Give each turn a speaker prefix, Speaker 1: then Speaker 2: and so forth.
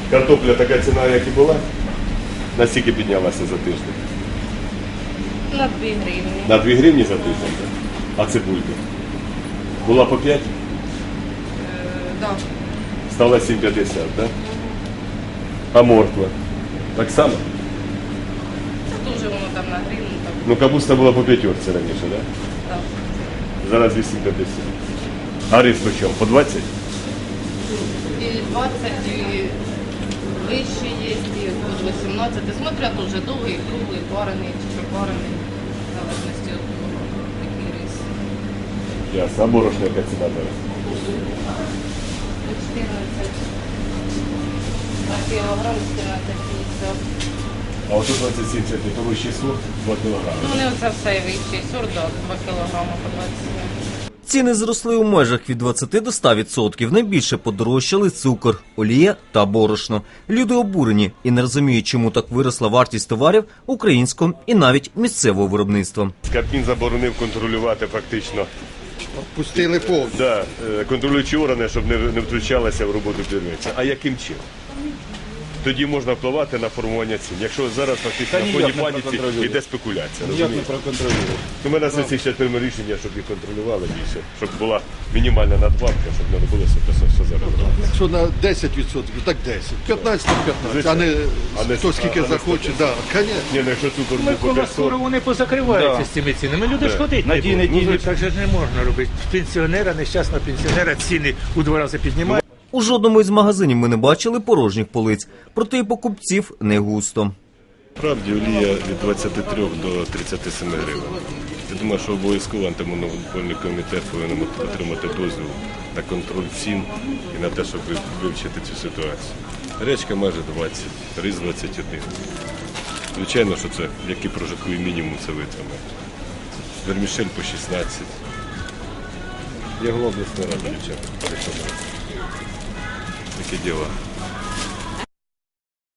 Speaker 1: Картопля така ціна, як і була? Наскільки піднялася за тиждень?
Speaker 2: На 2 гривні.
Speaker 1: На 2 гривні за тиждень, так? А цибулька? Була по 5?
Speaker 2: Да.
Speaker 1: Стала 7,50, так? А морква? Так само?
Speaker 2: Це дуже воно там на гривну. Так.
Speaker 1: Ну, капуста була по 5 раніше, так?
Speaker 2: Так.
Speaker 1: Зараз 8,50. А рис по чому? По 20?
Speaker 2: І 20, і вище є, і от 18. Смотря дуже довгий, круглий, парений чи пропарений. В залежності від того, який рис.
Speaker 1: Ясно. А борошно яка ціна зараз?
Speaker 2: 14. На кілограм 14,50.
Speaker 1: А от 27 це то вищий сорт 2 кілограми.
Speaker 2: Ну, не оце все вищий сорт, 2 кілограми по 27.
Speaker 3: Ціни зросли у межах від 20 до 100%. Найбільше подорожчали цукор, олія та борошно. Люди обурені і не розуміють, чому так виросла вартість товарів українського і навіть місцевого виробництва.
Speaker 1: Кабмін заборонив контролювати фактично.
Speaker 4: Пустили повністю.
Speaker 1: Да, контролюючі органи, щоб не втручалися в роботу підприємця. А яким чином? Тоді можна впливати на формування цін. Якщо зараз фактично на фоні паніці йде спекуляція.
Speaker 4: Ніяк не проконтролює.
Speaker 1: У мене сесії ще прийме рішення, щоб їх контролювали більше, щоб була мінімальна надбавка, щоб не робилося те, що зараз робиться.
Speaker 4: Якщо на 10%, так 10. 15 на 15, а не хто скільки захоче. Да, конечно.
Speaker 1: Ні, ну якщо цукор був по 500,
Speaker 5: Скоро вони позакриваються з цими цінами. Люди ж ходить. Ну, так же ж не можна робити. Пенсіонера, нещасного пенсіонера ціни у 2 рази піднімають.
Speaker 3: У жодному із магазинів ми не бачили порожніх полиць, проте і покупців не густо.
Speaker 1: Справді олія від 23 до 37 гривень. Я думаю, що обов'язково антимонопольний комітет повинен отримати дозвіл на контроль цін і на те, щоб вивчити цю ситуацію. Речка майже 20, рис 21. Звичайно, що це, як і прожитковий мінімум, це витримає. Вермішель по 16. Я голова обласної ради, дівчата. Такі діла.